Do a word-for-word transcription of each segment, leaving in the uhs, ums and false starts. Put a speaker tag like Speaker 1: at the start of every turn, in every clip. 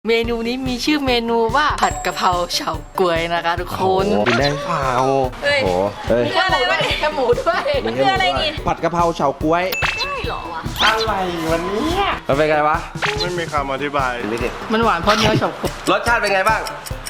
Speaker 1: เมนูนี้มีชื่อเมนูว่าผัดกะเพราเฉาก๊วยนะคะทุกคน
Speaker 2: กินได้เปล่า
Speaker 3: เฮ้ย
Speaker 2: โอ้เฮ้ย
Speaker 1: มีอะไรวะเนี่ยแค่หมูด้วย
Speaker 3: มันคืออะไรนี่
Speaker 2: ผัดกะเพราเฉาก๊วย
Speaker 3: ใช่เหรอวะ
Speaker 2: อะไรวันนี้มันเป็นไงวะ
Speaker 4: ไม่มีคำอธิบาย
Speaker 2: นี่ดิ
Speaker 1: มันหวานเพราะเนื้อเฉาก๊วย
Speaker 2: รสชาติเป็นไงบ้าง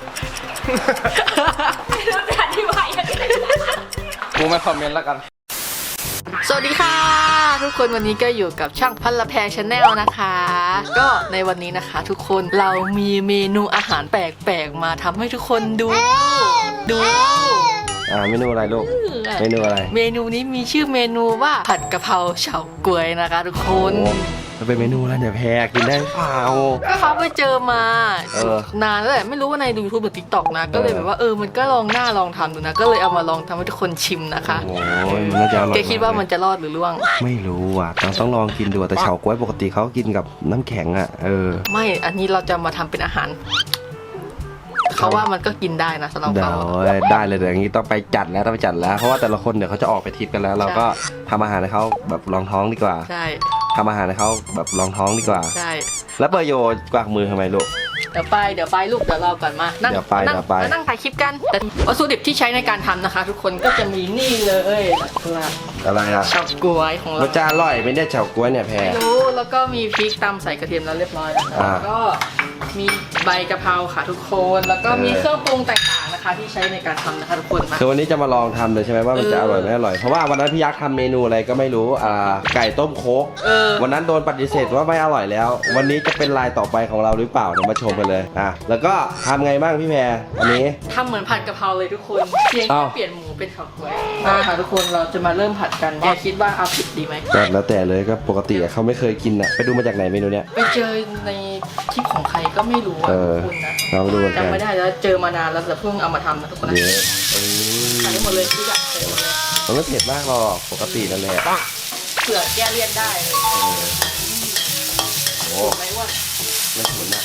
Speaker 3: ไม่รู้จะอธิบายยังไง
Speaker 2: กูไม่คอมเมนต์แล้วกัน
Speaker 1: สวัสดีค่ะทุกคนวันนี้ก็อยู่กับช่างพันละแพงชาแนลนะคะ ก็ในวันนี้นะคะทุกคนเรามีเมนูอาหารแปลกๆมาทำให้ทุกคนดูดู
Speaker 2: อ่าเมนูอะไรลูกเมนูอะไร
Speaker 1: เมนูนี้มีชื่อเมนูว่าผัดกะเพราเฉาก๊วยนะคะทุกคน
Speaker 2: โอ้มันเป็นเมนูอะไรเนี่ยแพรกินได้เปล่า
Speaker 1: ก็เขาไปเจอมา
Speaker 2: เออ
Speaker 1: นานแล้วแหละไม่รู้ว่าใน ยูทูบ หรือ ติ๊กต็อก นะก็เลยแบบว่าเออมันก็ลองหน้าลองทำดูนะก็เลยเอามาลองทำให้ทุกคนชิมนะคะ
Speaker 2: โอ้ยน่าจะอร่อย
Speaker 1: แกคิดว่ามันจะรอดหรือล่วง
Speaker 2: ไม่รู้อ่ะต้องต้องลองกินดูแต่เฉาก๊วยปกติเขากินกับน้ำแข็งอ่ะเออ
Speaker 1: ไม่อันนี้เราจะมาทำเป็นอาหารเขาว่ามันก็กินได้นะสำหรับ
Speaker 2: เดี๋ย
Speaker 1: เขา
Speaker 2: วได้เลยเดี๋ยวอย่างนี้ต้องไปจัดแล้วต้องไปจัดแล้วเพราะว่าแต่ละคนเดี๋ยวเขาจะออกไปทริปกันแล้ว เราก็ทำอาหารให้เขาแบบรองท้องดีกว่า
Speaker 1: ใช่
Speaker 2: ทำอาหารให้เขาแบบรองท้องดีกว่า
Speaker 1: ใช่
Speaker 2: แล้วเปอร์โยกวากมือทำไมลูก
Speaker 1: เดี๋ยวไปเดี๋ยวไปลูกเดี๋ยวรอก่อนมานั่ง
Speaker 2: เดี๋ยวไป
Speaker 1: นั่ง
Speaker 2: เดี๋ยวไป
Speaker 1: มานั่งถ่ายคลิปกันแต่วัตถุดิบที่ใช้ในการทำนะคะ ทุกคนก็จะมีนี่เลยนะครับ
Speaker 2: อะไรอ่ะ
Speaker 1: เฉาก๊วยของ
Speaker 2: มั
Speaker 1: เรา
Speaker 2: นจะอร่อยไม่ได้เฉาก๊วยเนี่ยแพร
Speaker 1: ไม่รู้แล้วก็มีพริกตำใส่กระเทียมแล้วเรียบร้อยนะคะ
Speaker 2: อ่า
Speaker 1: แล้วก็มีใบกะเพราค่ะทุกคนแล้วก็มี
Speaker 2: เออ
Speaker 1: เครื่องปรุงต่างๆนะคะ ที่ใช้ในการทำนะคะทุกคนมา
Speaker 2: คือวันนี้จะมาลองทำเลยใช่ไหมว่ามันจะอร่อยไม่อร่อยเพราะว่าวันนั้นพี่ยักษ์ทำเมนูอะไรก็ไม่รู้อ่าไก่ต้มโค้ก
Speaker 1: เออ
Speaker 2: วันนั้นโดนปฏิเสธว่าไม่อร่อยแล้ว วันนี้จะเป็นลายต่อไปของเราหรือเปล่าเดี๋ยวมาชมกันเลยอ่ะแล้วก็ทำไงบ้างพี่แพรอันนี้
Speaker 1: ทำเหมือนผัดกะเพราเลยทุกคนเพียงแค่
Speaker 2: อ้าว
Speaker 1: เปลี่ยนหมูเป็นเฉาก๊วยมาค่ะทุกคนเราจะมาเริ่มผัดกันแกคิดว่าเอาผิดดีไหม
Speaker 2: ก็แล้วแต่เลยก็ปกติอะเขาไม่เคยกินอ่ะไปดูมาจากไหนเมนูเนี้ย
Speaker 1: ไปเจอในคลิปของใครก็ไม่รู้อ่ะ
Speaker 2: เออ
Speaker 1: ทุกคนนะ
Speaker 2: ลองดูกัน
Speaker 1: จำไม่ได้แล้วเจอมานานแล้วแต่เพิ่งเอามาทำนะทุกคนนะ
Speaker 2: เดี๋ยวเอ
Speaker 1: ใส่
Speaker 2: อ
Speaker 1: หมดเลยทุกอย่างใส่หมดเลย
Speaker 2: มันไม่เผ็ดมากหรอกปกตินั่นแหละ
Speaker 1: เผื่อแก้เลี่ยนได้เลย
Speaker 2: เออโอ้
Speaker 1: ถูกไหมว่า
Speaker 2: ไม่ฉุนอ่ะ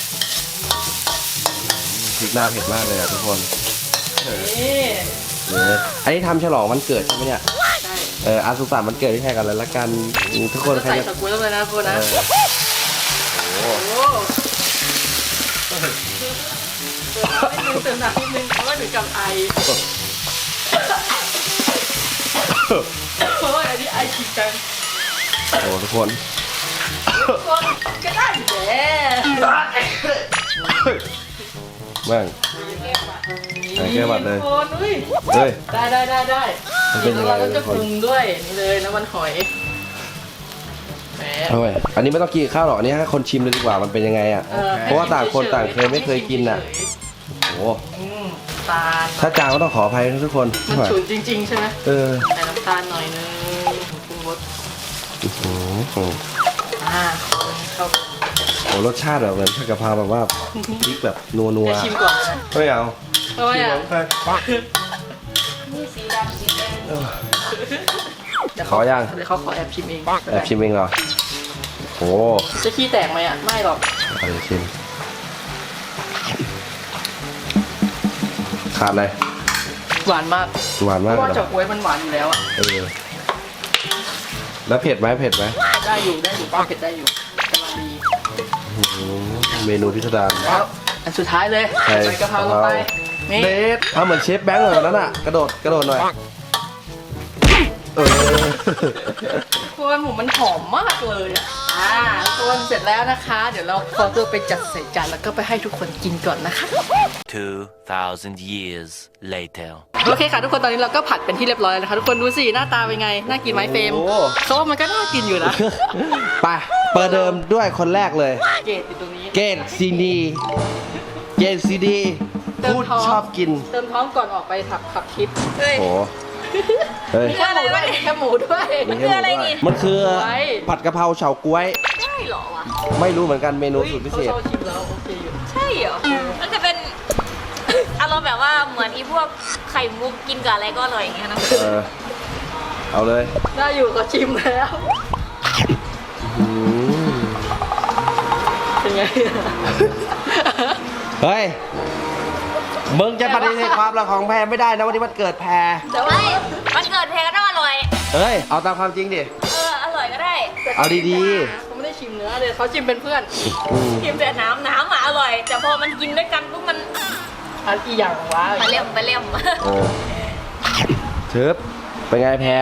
Speaker 2: พริกหน้าเผ็ดมากเลยอ่ะทุกคน
Speaker 1: นี่
Speaker 2: เอออันนี้ทำฉลองวันเกิดใช่ไหมเนี่ย
Speaker 1: ใช่
Speaker 2: เอออาสุสานวันเกิดที่แทนกันเลยละกันทุกคนใคร
Speaker 1: ใส่
Speaker 2: จะ
Speaker 1: สกุลลงไปนะทุกคน
Speaker 2: เอ
Speaker 1: นะ
Speaker 2: อโอ้
Speaker 1: โอ้โหเติมน้ำนิดนึงเพราะว่าถึงกับไอเพราะว่าอันนี้ไอจริงจัง
Speaker 2: โหทุกคน
Speaker 1: คนก็ได้อยู่แหละ
Speaker 2: แม่ง ใส่แก้วบัตรเลย
Speaker 1: คนอุ้ย
Speaker 2: เฮ้ย
Speaker 1: ได้ได้ได้ได้
Speaker 2: มันเป็นยังไง
Speaker 1: เราก็จะปรุงด้วยนี่เลยน้ำมันหอยแหม
Speaker 2: เอาไว้อันนี้ไม่ต้องกินข้าวหรอกอันนี้ให้คนชิมเลยดีกว่ามันเป็นยังไงอ่ะ
Speaker 1: ออ
Speaker 2: เพราะว่าต่างคนต่างเคยไม่เคยกินน่ะ โอ้
Speaker 1: อืมตาล
Speaker 2: ถ้าจางก็ต้องขออภัยนะทุกคน
Speaker 1: มันฉุนจริงๆใช่ไหม
Speaker 2: เออ
Speaker 1: ใส่น้ำตาลหน่อยนึงปรุงรส
Speaker 2: อื้อหือ
Speaker 1: อ่าเข้า
Speaker 2: โอ้รสชาติแบบเหมือนผัดกะเพราแบบว่าพริกแบบนัวนัว
Speaker 1: จะชิมก่อนเลยนะ
Speaker 2: ไม่เอา
Speaker 1: เพราะว่าอ่ะ
Speaker 3: นี่สีดำสีแดง
Speaker 1: เดี๋ยว
Speaker 2: ขอยัง
Speaker 1: เดี๋ยวเขาขอแอบชิมเอง
Speaker 2: แอบชิมเองเหรอโอ้
Speaker 1: จะขี้แตกไหมอ่ะไม่หรอก
Speaker 2: เอาดี๋ยวชิมขาดอะไร
Speaker 1: หวานมาก
Speaker 2: หวาน
Speaker 1: เพ
Speaker 2: มาก
Speaker 1: ราะว่า
Speaker 2: เลย
Speaker 1: เฉาก๊วยมันหวานอยู่แล้วอ่ะ
Speaker 2: เออแล้วเผ็ดไหมเผ็ดไหม
Speaker 1: ได้อยู่ได้อยู่ป้าเผ็ดได้อยู่กำลังดี
Speaker 2: อื้อหือเมนูพิสดาร
Speaker 1: แล้วอันสุดท้ายเลย
Speaker 2: ใช่
Speaker 1: ใส่กะเพราลงไปนี่
Speaker 2: เดฟทำเหมือนเชฟแบงค์เลยวันนั้นอ่ะกระโดดกระโดดหน่อยเออ
Speaker 1: ตัวหมูมันหอมมากเลยอ่ะอ่าตัวเสร็จแล้วนะคะ เดี๋ยวเราขอตัวไปจัดใส่จานแล้วก็ไปให้ทุกคนกินก่อนนะคะ
Speaker 5: Two thousand years later.
Speaker 1: โอเคค่ะทุกคนตอนนี้เราก็ผัดเป็นที่เรียบร้อยแล้วนะคะทุกคนดูสิหน้าตาเป็นไงน่ากินไหมเฟรม
Speaker 2: โอ้
Speaker 1: เขาว่ามันก็น่ากินอยู่นะ
Speaker 2: ไปเปิดเดิมด้วยคนแรกเลย
Speaker 1: เกรดอยู่ตรงนี้
Speaker 2: เกตซีดีเกตซีดี
Speaker 1: เติม
Speaker 2: พูด
Speaker 1: ท้อง
Speaker 2: ชอบกิน
Speaker 1: เติมท้องก่อนออกไปขับขับคลิป
Speaker 3: เฮ้ย
Speaker 2: โอ้เฮ้ย
Speaker 1: มีแค่หมูด้วยมีแค่หมูด้วย
Speaker 3: มันคืออะไรนี่
Speaker 2: มันคือ
Speaker 1: ไว้
Speaker 2: ผัดกะเพราเฉาก๊วย
Speaker 3: ใช่เหรอวะ
Speaker 2: ไม่รู้เหมือนกันเมนูสุดพิเศษ
Speaker 1: เขาชอบชิมแล้วโอเคอยู่
Speaker 3: ใช่เหรอมันจะเป็น อารมณ์แบบว่าเหมือนอีพวกไข่มุกกินกับอะไรก็อร่อยอย่างเงี้ยนะ
Speaker 2: เออ เอาเลย
Speaker 1: ได้อยู่ก็ชิมแล้ว
Speaker 2: อืม
Speaker 1: เป็นไง
Speaker 2: เฮ้ย มึงจะปฏิเสธความรักของแพรไม่ได้นะวันนี้มันเกิดแพร
Speaker 3: แต่ว่ามันเกิดเพลงก็ต้องอร่อย
Speaker 2: เฮ้ย เอาตามความจริงดิ
Speaker 3: เออ อร่อยก็ได้
Speaker 2: เอาดี
Speaker 1: ผมไม่ได้ชิมเนื้อเลยเขาชิมเป็นเพื่อน
Speaker 3: กินแต่น้ำน้ำอ่ะอร่อย แต่พอมันกินด้วยกันปุ๊บมัน
Speaker 1: อันอีหยังวะ
Speaker 3: ไปเลี่ยมไปเลี่ยม
Speaker 2: เออเชิบเป็นไงแพร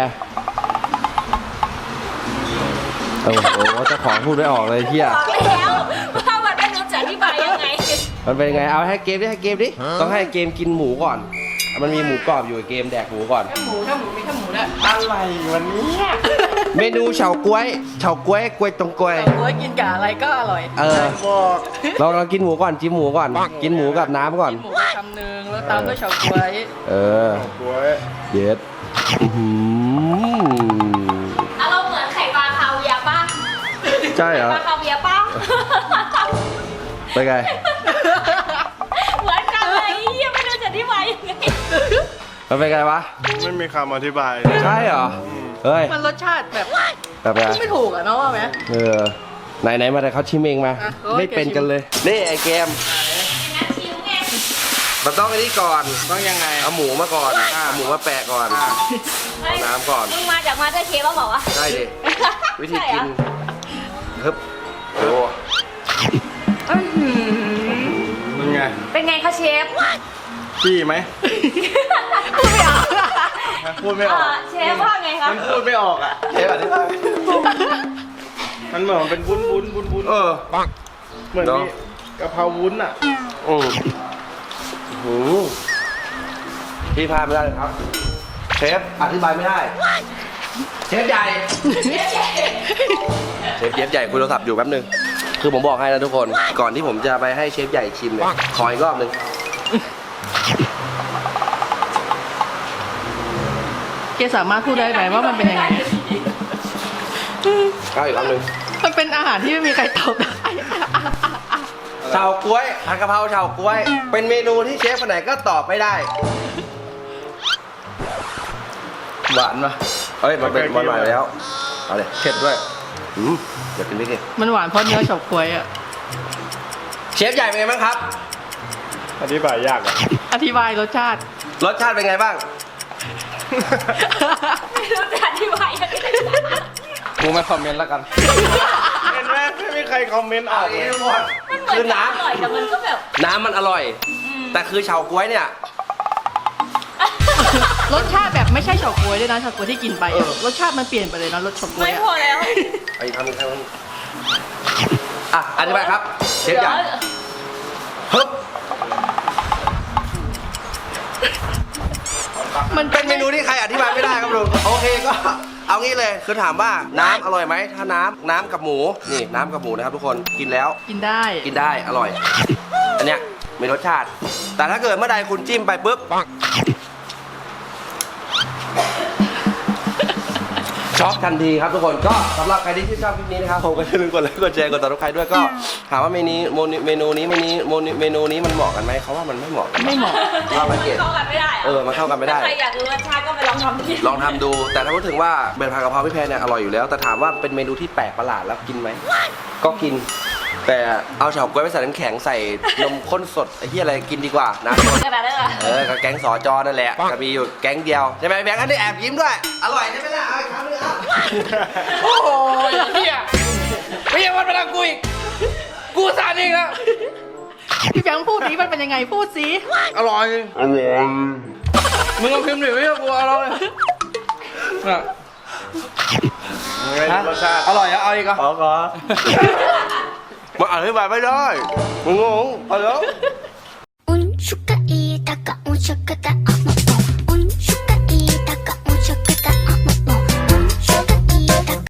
Speaker 2: โอ้โหเจ้าของพูดไม่ออกเลยเที่ย
Speaker 3: บอกแล้วว่ามันไม่รู้จะอธิบายยังไง
Speaker 2: มันเป็นไงเอาให้เกมดิให้เกมดิต้องให้เกมกินหมูก่อน มันมีหมูกรอบอยู่เกมแดกหมูก่อน
Speaker 1: แค่หมูแค่หมูมีแค่หมูด้วย
Speaker 2: อะไรวันนี้เมนูเฉาก๊วยเฉาก๊วยกล้วยตรงกล้วย
Speaker 1: โอ้ยกินกับอะไรก็อร่อย
Speaker 2: เออเราเรากินหมูก่อนจิ้มหมูก่อน กินหมูกับน้ำก่อน
Speaker 1: กินหมูไปคำนึงแล้วตามด้วยเฉาก๊วย
Speaker 2: เออเย็ดอื้อหือ
Speaker 3: อารมณ์เหมือนไข่ปลาคาเวียร์ป่ะ
Speaker 2: ใช่เหรอ
Speaker 3: ปลาคาเวียร์ป่ะ
Speaker 2: เป็นไง
Speaker 3: เหมือนกันเลยยังไม่รู้จะอธิบายยังไง
Speaker 2: มันเป็นไงวะ
Speaker 4: ไม่มีคำอธิบาย
Speaker 2: ใช่เหรอเฮ้ย
Speaker 1: มันรสชาติแบบ
Speaker 2: แบบไง
Speaker 1: ไม่ถูกอะเนาะว่าไหม
Speaker 2: เออไหนไหนมาแต่เขาชิมเองมา
Speaker 1: อ่ะโอเค
Speaker 2: ไม่เป็นกันเลยนี่ไอเกม
Speaker 3: นักชิวไง
Speaker 2: มันต้องอันนี้ก่อน
Speaker 4: ต้องยังไง
Speaker 2: เอาหมูมาก่อนเอาหมูมาแปะก่อน เอาน้ำก่อน
Speaker 3: มึงมาจากมาเตอร์เชฟป่ะบอกว่า
Speaker 2: ใช่ดิ วิธี
Speaker 3: ใช่
Speaker 2: กิ
Speaker 3: เหร
Speaker 2: น
Speaker 3: อ
Speaker 2: ฮึบโอ้
Speaker 4: เป็นไง
Speaker 3: เป็นไงคะเชฟ
Speaker 4: พี่ไหม
Speaker 3: พูดไม่ออก
Speaker 4: พูดไม่ออก
Speaker 3: เอ่อเชฟว่าไงคะ
Speaker 4: มันพูดไม่ออกอ่ะ
Speaker 2: เชฟอธิบาย
Speaker 4: มันเหมือนมันเป็นวุ้นวุ้นวุ้นวุ้น
Speaker 2: เออ
Speaker 4: เหมือน
Speaker 2: เนอะ
Speaker 4: มีกะเพราวุ้นอ่ะ
Speaker 2: อืมหูพี่พลาดไม่ได้เลยครับ เชฟอธิบายไม่ได้ เชฟใหญ่ เชฟเชฟใหญ่คุยโทรศัพท์อยู่แป๊บนึง คือผมบอกให้นะทุกคน ก่อนที่ผมจะไปให้เชฟใหญ่ชิมเนี่ย ขออีกรอบนึง
Speaker 1: เกสามารถพูดได้ไหมว่ามันเป็นยังไง
Speaker 2: เอาอีกรอบนึง
Speaker 1: มันเป็นอาหารที่ไม่มีใครตอบได้
Speaker 2: เฉาก๊วยผัดกะเพราเฉาก๊วย เป็นเมนูที่เชฟคนไหนก็ตอบไม่ได้ หวานปะเอ้ย มันเป็นหวานหวานแล้ว เอาเลยเผ็ดด้วย อืมอยากกินพริกเลย
Speaker 1: มันหวานเพราะเนื้อเฉาก๊วยอะ
Speaker 2: เชฟใหญ่เป็นไงบ้างครับ
Speaker 4: อธิบายยากอ่ะ
Speaker 1: อธิบายรสชาติ
Speaker 2: รสชาติเป็นไงบ้าง
Speaker 3: ไม่รู้จะอธิบายยังไง
Speaker 2: กูไม่คอมเมนต์แล้วกัน
Speaker 4: เห็นไหมไม่มีใครคอมเมนต์อ
Speaker 2: เอา
Speaker 4: อก
Speaker 2: อี
Speaker 4: เล
Speaker 2: ก
Speaker 4: ย
Speaker 2: ทุกคน
Speaker 3: มันเหมือน
Speaker 2: คือ
Speaker 3: จะ
Speaker 2: น้
Speaker 3: อร่อยแต่มันก็แบบ
Speaker 2: ำน้ำมันอร่อย แต่คือเฉาก๊วยเนี่ย
Speaker 1: รสชาติแบบไม่ใช่เฉาก๊วยด้วยนะเฉาก๊วยที่กินไปอะรสชาติมันเปลี่ยนไปเลยนะรสเฉาก๊วย
Speaker 3: ไม่
Speaker 1: อะ
Speaker 3: พอแล้ว
Speaker 2: ไอ้ทำอีกครั้งอ่ะอธิบายครับ เชฟใหญ่ฮึบ
Speaker 1: มัน
Speaker 2: เป็นเมนูที่ใครอธิบายไม่ได้ครับลุง โอเคก็ เอางี้เลย คือถามว่าน้ำอร่อยไหม ถ้าน้ำน้ำกับหมู นี่น้ำกับหมูนะครับทุกคน กินแล้ว
Speaker 1: กินได้
Speaker 2: กินได้ อร่อย อันเนี้ยมีรสชาติ แต่ถ้าเกิดเมื่อใดคุณจิ้มไปปุ๊บ ช็อกทันทีครับทุกคน ก็สำหรับใครที่ชื่นชอบคลิปนี้นะครับ ผมก็อย่าลืมกดไลค์กดแชร์กดติดตามใครด้วย ก็ถามว่าเมนูเมนูนี้เมนูเมนูนี้มันเหมาะกันไหมเขาว่ามันไม่เหมาะกัน
Speaker 1: ไม่เหมาะ
Speaker 2: ว่ามันเกลียด
Speaker 3: เข้ากันไม่ได้หร
Speaker 2: เออมันเข้ากันไม่ได้
Speaker 3: ถ้าใครอยากรู้รสชาติก็ไปลองทำดิ
Speaker 2: ลองทำดู แต่ถ้าพูดถึงว่าเป็นผัดกะเพราพี่แพรเนี่ยอร่อยอยู่แล้ว แต่ถามว่าเป็นเมนูที่แปลกประหลาดแล้วกินไหม ก็กิน แต่เอาเฉาก๊วยไปใส่น้ำแข็งใส่นมข้นสดไอ้ที่อะไรกินดีกว่านะ
Speaker 3: ขนาดนั้นเหรอ
Speaker 2: เออกับแก๊งสอจอนั่นแหละจะมีอยู่แก๊งเดียวใช่ไหมแบงค์อันนี้แอบยิ้มด้วย อร่อยใช่ไหมล่ะเอาอีกครั้งหนึงเอา
Speaker 1: โอ้โหเฮียไม่ยังวันมาดังกูอีก กูสานเองแล้ว พี่แบงค์พูดนี้มันเป็นยังไงพูดสิ
Speaker 4: อร่อย อร่อย
Speaker 1: มึงลองพิมพ์หน่อยไม่ใช่กูเอาเราเลย
Speaker 4: ไงรสชาติ
Speaker 1: อร่อยอะเอาอีกอ่ะ
Speaker 4: อ๋อก็
Speaker 2: มาอธิบายไม่ได้มึงงงพอแล้ว
Speaker 6: 운수가 이다가 운수가 다